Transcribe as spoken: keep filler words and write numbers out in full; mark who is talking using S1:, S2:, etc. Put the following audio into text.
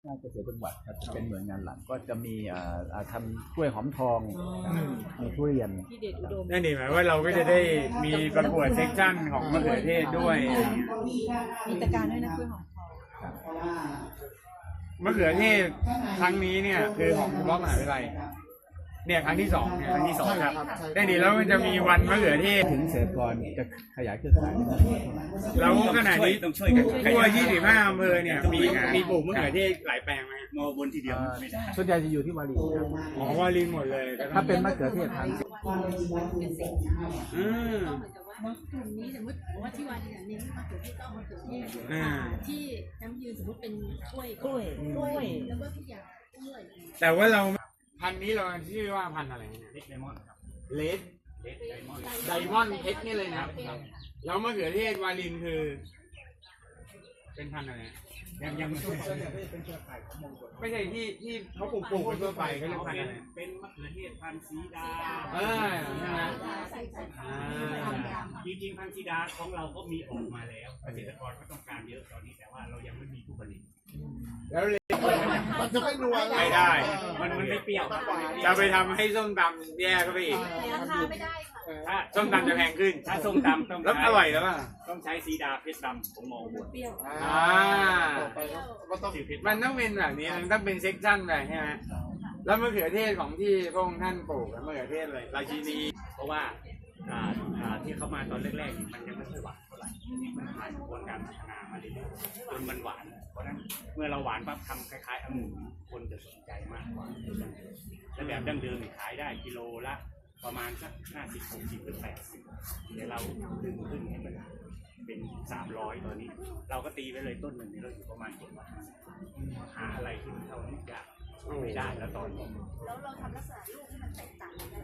S1: งานเกษตรจังหวัดครับเป็นหน่วยงานหลักก็จะมีทำกล้วยหอมทองมีทุเรียน
S2: นั่นเองหมายว่าเราก็จะได้มีประกวดเซกชันของมะเขือเทศด้วย
S3: มีตะการด้วยนะกล้วยหอมทอง
S2: มะเขือเทศครั้งนี้เนี่ยคือของเฉพาะมหาวิทยาลัยเนี่ยครั้งที่สองเนี่ยครั้งที่สองครับได้ดีแล้วมันจะมีวันมะเขือเทศ
S1: ถึงเกษตรกรจะขยายเครือข่าย
S2: เราขนาดนี้ต้องช่วยกันทั่วยี่สิบห้าอำเภอเนี่ยมีมีปลูกมะเขือเทศหลายแปลงไหมมอบนทีเดียว
S1: ส่วนใหญ่จะอยู่ที่วารีครับ
S2: อ๋อวารีหมดเลย
S1: ถ้าเป็นมะเขือเทศทาง
S2: อืม
S4: กลุ่มนี้สมมติว่าที่วันเนี่ยเน้นมะเขือเทศก็มะเขือเทศที่น้ำยืนสมมติเป็นกล้วย
S3: กล้วยกล้วย
S4: แล้วก็ทุกอย่างกล้วย
S2: แต่ว่าเราพันนี้เราชื่อว่าพันอะไรเนี่ยเลดไดมอนด์ครับเลดไดมอนด์ไดมอนด์เพชรนี่เลยนะแล้วมะเขือเทศวาลินคือเป็นพันอะไรยังยังไม่ใช่ไม่ใช่ที่ที่เขาปลูกปลูกกันทั่วไปเขาเรียกพันอะไร
S5: เป็นมะเขือเทศพันธุ์สีดา
S2: เออใช่ไหม
S5: จริงๆพันธุ์สีดาของเราก็มีออกมาแล้วเกษตรกรก็ต้องการเยอะตอนนี้แต่ว่าเรายังไม่มีผู้ผลิต
S2: แล้วเลย
S6: มันจะไม่นัว
S2: ไม่ได้
S5: มันมันไม่เปรี้ยว
S2: จะไปทำให้ส้มตำแย่เข้าไปอีก
S4: ราคาไม่ได้
S2: ค่ะส้มตำจะแพงขึ้น
S5: ถ้าส้มตำต้อง
S2: แล้วอร่อยแล้วป่ะ
S5: ต้องใช้สีดาเพชรดำผมมองบน
S4: เปรี้ยว
S2: อ่ามันต้องเป็นแบบนี้มันต้องเป็นเซ็กชั่นแบบใช่ไหมแล้วมะเขือเทศของที่พระองค์ท่านปลูกมะเขือเทศเลยราชินี
S5: เพราะว่าที่เขามาตอนแรกๆมันยังไม่ค่อยหวานเท่าไหร่มันผ่านกระบวนการพัฒนามาเรื่อยๆจนมันหวานเพราะฉะนั้นเมื่อเราหวานปั๊บทำคล้ายๆองุ่นคนจะสนใจมากกว่าและแบบดั้งเดิมขายได้กิโลละประมาณสักห้าสิบหกสิบหรือแปดสิบเดี๋ยวเราดึงขึ้นให้มันเป็นสามร้อยตอนนี้เราก็ตีไปเลยต้นหนึ่งนี่เราอยู่ประมาณเจ็ดร้อยหาอะไรที่มันเท่านี้ยากไม่ได้แล้วตอนนี้
S4: แล้วเราทำลักษณะลูกที่มันแตกต่างกัน